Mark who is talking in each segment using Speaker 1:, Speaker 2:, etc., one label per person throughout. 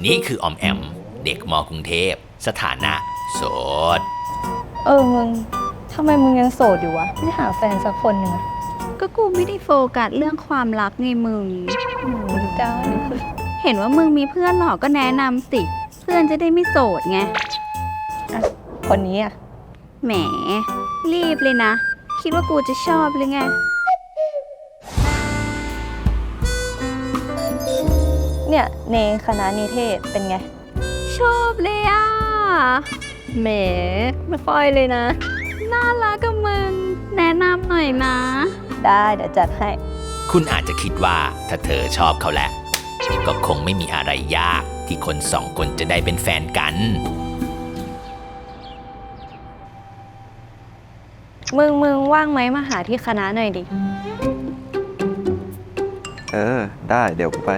Speaker 1: นี่คือออมแอมเด็กมกรุงเทพสถานะโสด
Speaker 2: มึงทำไมมึงยังโสดอยู่วะไม่หาแฟนสักคนหนึ่งอะ
Speaker 3: ก็กูไม่ได้โฟกัสเรื่องความรักไงมึง
Speaker 2: เจ้า
Speaker 3: เห็นว่ามึงมีเพื่อนหรอก็แนะนำสิ เพื่อนจะได้ไม่โสดไง
Speaker 2: คนนี้อะ
Speaker 3: แหม รีบเลยนะ คิดว่ากูจะชอบหรือไง
Speaker 2: เนี่ยในคณะนิเทศเป็นไง
Speaker 3: ชอบเลยอ่ะ
Speaker 2: แหมไม่ค่อยเลยนะ
Speaker 3: น่ารักกับมึง แนะนำหน่อยนะ
Speaker 2: ได้เดี๋ยวจัดให้
Speaker 1: คุณอาจจะคิดว่าถ้าเธอชอบเขาแหละก็คงไม่มีอะไรยากที่คนสองคนจะได้เป็นแฟนกัน
Speaker 2: มึงว่างไหมมาหาที่คณะหน่อยดิ
Speaker 4: ได้เดี๋ยวกูไป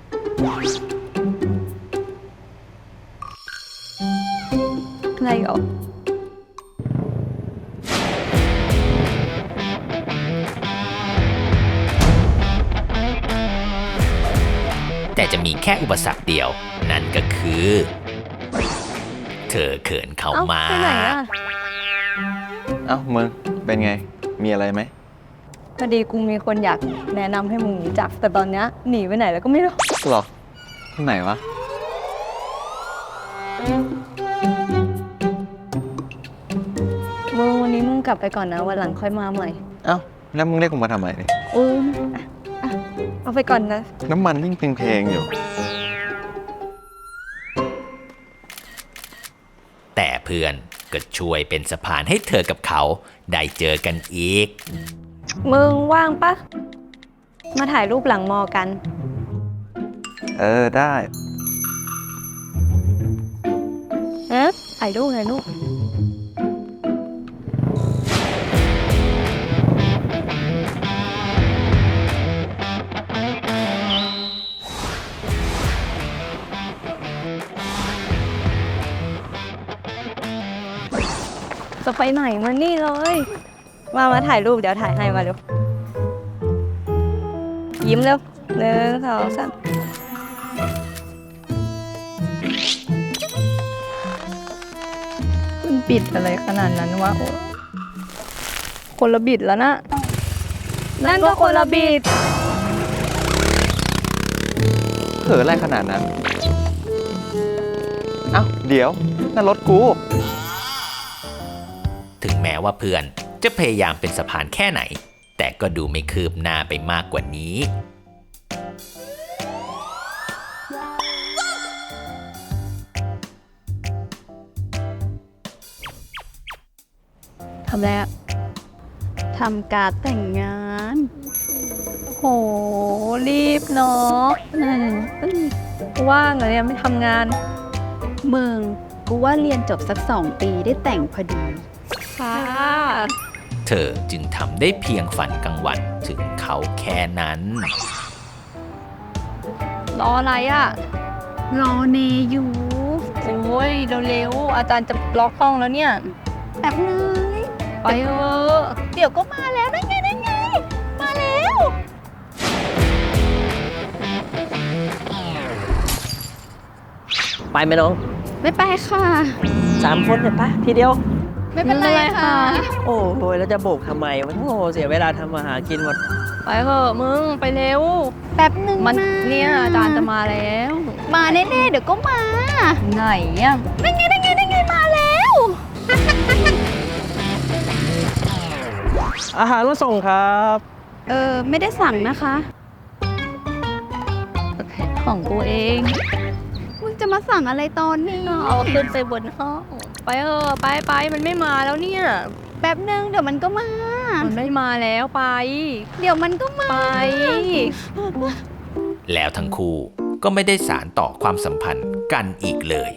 Speaker 2: อะไรหรอ
Speaker 1: แต่จะมีแค่อุปสรรคเดียว นั่นก็คือ เธอเขินเขา
Speaker 2: เอ้า
Speaker 1: มา
Speaker 2: ไปไหนอะ
Speaker 4: เอ้ามึงเป็นไง มีอะไรไหม
Speaker 2: พอดีกูมีคนอยากแนะนำให้มึงรู้จัก แต่ตอนเนี้ยหนีไปไหนแล้วก็ไม่รู้
Speaker 4: หรอ ที่ไหนวะ
Speaker 2: วันนี้มึงกลับไปก่อนนะวันหลังค่อยมาใหม่
Speaker 4: เอ้าแล้วมึงเรียกกูมาทำไมเนี่ย
Speaker 2: อ่ะเอาไปก่อนนะ
Speaker 4: น้ำมันยิ่งเพลงๆอยู่
Speaker 1: แต่เพื่อนก็ช่วยเป็นสะพานให้เธอกับเขาได้เจอกันอีก
Speaker 2: มึงว่างปะมาถ่ายรูปหลังมอกัน
Speaker 4: ได้
Speaker 2: ถ่ายรูปจะไปไหนมานี่เลย มาถ่ายรูปเดี๋ยวถ่ายให้มาเร็ว ยิ้มเร็ว1 2 3มันบิดอะไรขนาดนั้นวะโอ้คนละบิดแล้วนะ นั่นก็คนละบิด
Speaker 4: เผลออะไรขนาดนั้น เอ้าเดี๋ยวนั่นรถกู
Speaker 1: ถึงแม้ว่าเพื่อนจะพยายามเป็นสะพานแค่ไหน แต่ก็ดูไม่คืบหน้าไปมากกว่านี้
Speaker 2: ทำอะไรอะ
Speaker 3: ทำการดแต่งงาน
Speaker 2: โห รีบเนาะว่างเหรอเนี่ยไม่ทำงาน
Speaker 3: มึง กูว่าเรียนจบสัก2 ปีได้แต่งพอดี
Speaker 2: ค่ะ
Speaker 1: เธอจึงทำได้เพียงฝันกลางวันถึงเขาแค่นั้น
Speaker 2: รออะไรอะ
Speaker 3: รอเนอยู่
Speaker 2: โอ้ยเร็วๆอาจารย์จะล็อกห้องแล้วเนี่ย
Speaker 3: แป๊บนึง
Speaker 2: ไปเถอะ
Speaker 3: เดี๋ยวก็มาแล้วนั่นไง มาแล้ว
Speaker 5: ไปไหมน้อง
Speaker 3: ไม่ไปค่ะ
Speaker 5: 3 คนเนี่ยปะทีเดียว
Speaker 3: ไม่เป็นไรค่ะ
Speaker 5: โอ้โหแล้วจะโบกทำไมวะโอ้โหเสียเวลาทำมาหากินหมด
Speaker 2: ไปเถอะมึงไปเร็ว
Speaker 3: แป๊บนึง
Speaker 2: มัน
Speaker 3: นะ
Speaker 2: เนี่ยอาจารย์จะมาแล้ว
Speaker 3: มาแน่ๆเดี๋ยวก็มา
Speaker 2: ไหนอะ
Speaker 3: นั่นไงมาแล้ว
Speaker 5: อาหารมาส่งครับ
Speaker 3: ไม่ได้สั่งนะคะ
Speaker 2: ของกูเอง
Speaker 3: มึงจะมาสั่งอะไรตอนนี้
Speaker 2: เอาขึ้นไปบนห้องไปเถอะไปมันไม่มาแล้วเนี่ย
Speaker 3: แป๊บนึงเดี๋ยวมันก็มา
Speaker 2: มันไม่มาแล้วไป
Speaker 3: เดี๋ยวมันก็มา
Speaker 2: ไป
Speaker 1: แล้วทั้งคู่ก็ไม่ได้สารต่อความสัมพันธ์กันอีกเลย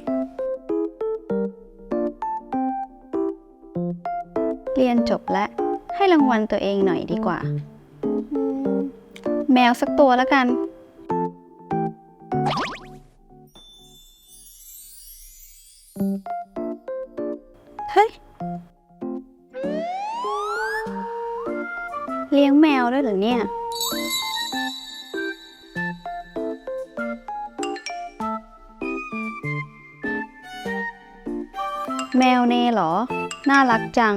Speaker 3: เรียนจบแล้ว ให้รางวัลตัวเองหน่อยดีกว่า แมวสักตัวแล้วกัน เฮ้ย เลี้ยงแมวด้วยเหรอเนี่ยแมวเนเหรอ น่ารักจัง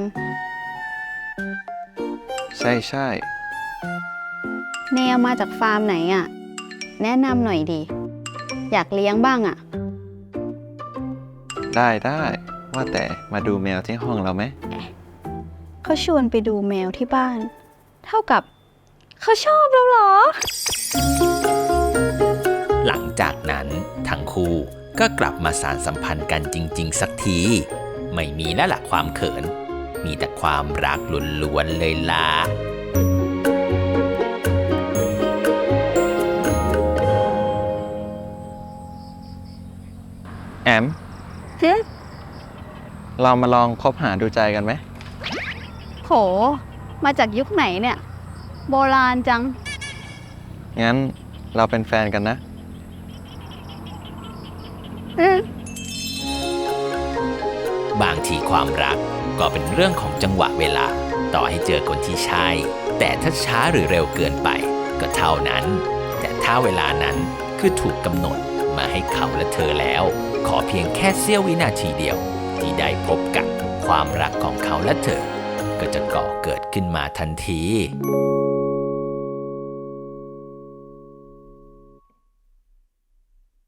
Speaker 4: ใช่ใช่
Speaker 3: เนเอามาจากฟาร์มไหนอะแนะนำหน่อยดิ อยากเลี้ยงบ้างอะ
Speaker 4: ได้ได้ว่าแต่มาดูแมวที่ห้องเราไหม
Speaker 3: เขาชวนไปดูแมวที่บ้าน เท่ากับเขาชอบเราเหรอ
Speaker 1: หลังจากนั้นทั้งคู่ก็กลับมาสานสัมพันธ์กันจริงๆสักที ไม่มีแล้วล่ะความเขิน มีแต่ความรักล้วนๆเลยล่ะ
Speaker 4: แอม
Speaker 3: ฮึ
Speaker 4: เรามาลองคบหาดูใจกันไหม
Speaker 3: โห มาจากยุคไหนเนี่ย โบราณจัง
Speaker 4: งั้นเราเป็นแฟนกันนะ
Speaker 1: บางทีความรักก็เป็นเรื่องของจังหวะเวลา ต่อให้เจอคนที่ใช่ แต่ถ้าช้าหรือเร็วเกินไปก็เท่านั้น แต่ถ้าเวลานั้นคือถูกกำหนดมาให้เขาและเธอแล้ว ขอเพียงแค่เสี้ยววินาทีเดียว ที่ได้พบกันความรักของเขาและเธอ ก็จะก่อเกิดขึ้นมาทันที